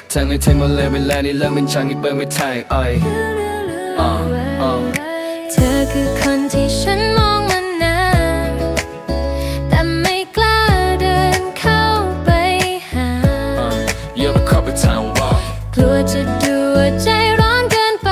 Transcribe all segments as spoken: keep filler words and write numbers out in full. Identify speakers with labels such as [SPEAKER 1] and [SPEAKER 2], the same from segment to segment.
[SPEAKER 1] ทั้งในไทยหมดเลยเวลานี้เริ่มเป็นช่างที่เปิดไม่ไทยอ้อยอ่าอ่า
[SPEAKER 2] เธอคือคนที่ฉันมองมานานแต่ไม่กล้าเดินเข้าไปหา
[SPEAKER 1] You're the cup of time walk
[SPEAKER 2] กลัวจะดูว่าใจร้อนเกินไป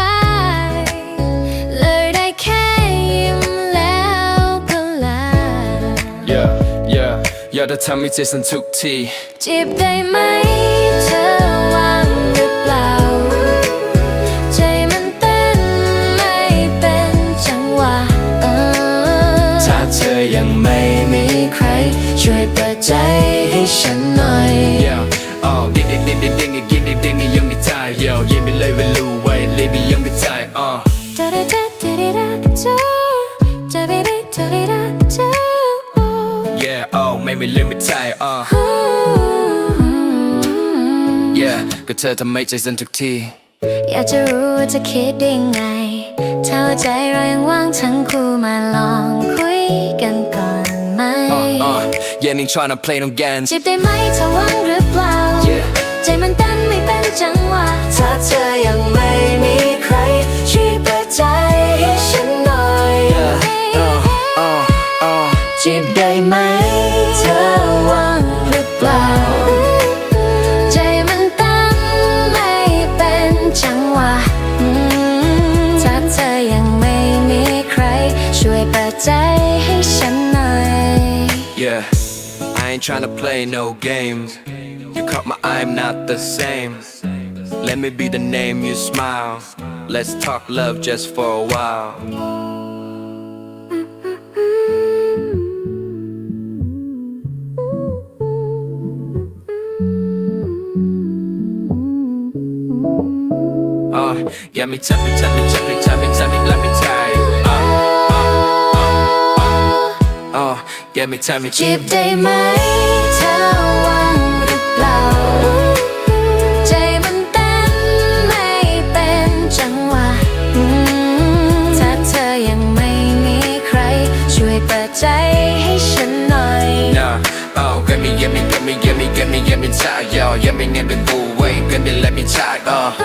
[SPEAKER 2] เลยได้แค่ยิ้มแล้วก็ลา
[SPEAKER 1] Yeah yeah อยากจะทำให้ใจสั่นทุกที
[SPEAKER 2] จีบได้ไหมเธอว่างหรือเปล่าใจมันเต้นไม่เป็นจังหวะ
[SPEAKER 1] ถ้าเธอยังไม่มีใคร
[SPEAKER 2] ช่วยเปิดใจให้ฉันหน่อย
[SPEAKER 1] Yeah oh ดิ้งดิ้งดิ้งดิ้งดิ้งดิ้งดิ้งดิ้งดิ้งยังไม่ตาย Yo ยังไม่เลยไม่รู้ไว้เลยไม่ยังไม่ตาย uh Yeah oh ไม่ไม่เลยไม่ตาย uh Yeah ก็เธอทำให้ใจสั่นทุกที
[SPEAKER 2] อยากจะรู้ว่าจะคิดได้ไงถ้าว่าใจเรายังว่างทั้งคู่มาลองคุยกันก่อนไหม
[SPEAKER 1] uh uh Yeah นิ่ง tryna play no games
[SPEAKER 2] จีบได้ไหมเธอว่างหรือเปล่า
[SPEAKER 1] Yeah
[SPEAKER 2] ใจมันเต้นไม่เป็นจังหวะถ้าเธอยังไม่มีใครช่วยเปิดใจให้ฉันหน่อย
[SPEAKER 1] Yeah uh uh uh
[SPEAKER 2] จีบได้ไหมเธอว่างหรือเปล่าใจมันเต้นไม่เป็นจังหวะถ้าเธอยังไม่มีใครช่วยเปิดใจให้ฉันหน่อย
[SPEAKER 1] Yeah I ain't tryna play no games You caught my eye I'm not the same Let me be the name you smile Let's talk love just for a while Uh, yeah, me tell me, tell me, tell me, tell me, tell me, let me tell you. Uh, uh, uh, uh, yeah, me tell me.
[SPEAKER 2] จีบได้ไหมเธอว่างหรือเปล่าใจมันเต้นไม่เป็นจังหวะถ้าเธอยังไม่มีใครช่วยเปิดใจให้ฉันหน่อย
[SPEAKER 1] Nah, oh, get me, get me, get me, get me, get me, get me tired, yo. Yeah, me name the boo, wait, get me, let me try, uh.